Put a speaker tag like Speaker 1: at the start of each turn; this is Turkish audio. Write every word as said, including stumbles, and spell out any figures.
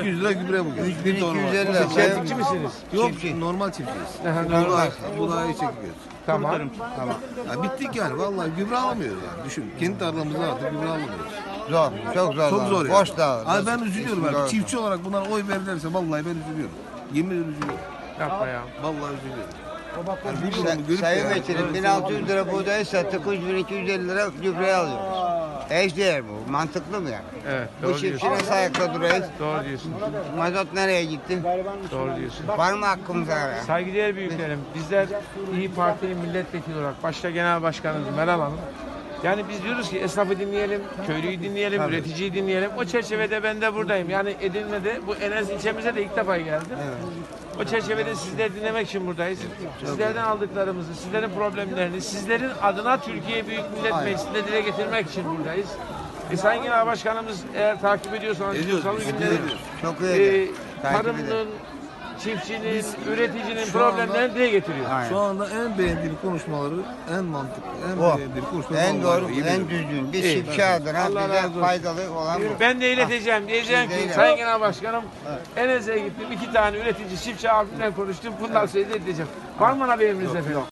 Speaker 1: yüz lira gübre bugün.
Speaker 2: üç bin iki yüz elli lira.
Speaker 3: Çiftçi misiniz?
Speaker 1: Yok
Speaker 2: Çiftçi.
Speaker 1: normal çiftçiyiz.
Speaker 3: Aha,
Speaker 1: Buğday, buğdayı çekiyoruz.
Speaker 3: Tamam.
Speaker 1: Tamam. Ya bittik yani vallahi gübre alamıyoruz yani. Düşün. Kendi tarlamızda artık gübre alamıyoruz.
Speaker 2: Zor. Çok zor.
Speaker 1: Çok zor ya.
Speaker 2: Boş da.
Speaker 1: Abi ben üzülüyorum
Speaker 2: Zor.
Speaker 1: abi. Çiftçi olarak bunlara oy verirlerse vallahi ben üzülüyorum. Yemin ederim üzülüyorum.
Speaker 3: Yapma ya.
Speaker 1: Vallahi üzülüyorum. Yani bu
Speaker 2: Sa-
Speaker 1: durumu görüp de
Speaker 2: Sayın
Speaker 1: yani-
Speaker 2: Vekilim bin altı yüz lira buğdayı sattık, üç bin iki yüz elli lira gübreye alıyoruz. Eşdeğer bu. Mantıklı mı yani?
Speaker 3: Evet,
Speaker 2: Bu
Speaker 3: doğru
Speaker 2: çiftçi
Speaker 3: diyorsun.
Speaker 2: nasıl ayakta duruyoruz?
Speaker 3: Doğru diyorsun.
Speaker 2: Mazot nereye gitti?
Speaker 3: Doğru diyorsun.
Speaker 2: Var mı hakkımız ara?
Speaker 3: Saygıdeğer büyüklerim, bizler İyi Parti'nin milletvekili olarak başta Genel Başkanımız Meral Hanım. Yani biz diyoruz ki esnafı dinleyelim, köylüyü dinleyelim, üreticiyi dinleyelim. O çerçevede ben de buradayım. Yani Edirne'de, bu Enes ilçemize de ilk defa geldim. O çerçevede sizleri dinlemek için buradayız. Sizlerden aldıklarımızı, sizlerin problemlerini, sizlerin adına Türkiye Büyük Millet Meclisi'nde dile getirmek için buradayız. E, Sayın Genel Başkanımız eğer takip ediyorsanız,
Speaker 1: Ediyoruz,
Speaker 3: salı
Speaker 1: biz
Speaker 3: günleri
Speaker 1: ediyoruz.
Speaker 2: Çok iyi.
Speaker 3: e,
Speaker 2: Takip
Speaker 3: tarımın,
Speaker 2: edelim.
Speaker 3: çiftçinin, üreticinin
Speaker 1: şu
Speaker 3: problemlerini
Speaker 1: anda-
Speaker 3: dile getiriyor.
Speaker 2: Aynen.
Speaker 1: Şu anda en beğendiğim konuşmaları, en mantıklı, en
Speaker 2: O.
Speaker 1: beğendiğim konuşmaları.
Speaker 2: En
Speaker 1: vallahi
Speaker 2: doğru,
Speaker 1: o, yemin
Speaker 2: en
Speaker 1: ederim.
Speaker 2: düzgün. Bir
Speaker 3: İyi.
Speaker 2: çiftçi adına
Speaker 3: Allah razı
Speaker 2: bize
Speaker 3: olsun.
Speaker 2: faydalı olan bu.
Speaker 3: Ben de ileteceğim. Diyeceğim
Speaker 2: Siz
Speaker 3: ki
Speaker 2: de
Speaker 3: Sayın
Speaker 2: ilet.
Speaker 3: Genel Başkanım Enes'e gittim. iki tane üretici çiftçi abimle konuştum. Bundan sonra da edeceğim. Var mı bana bir emriniz efendim?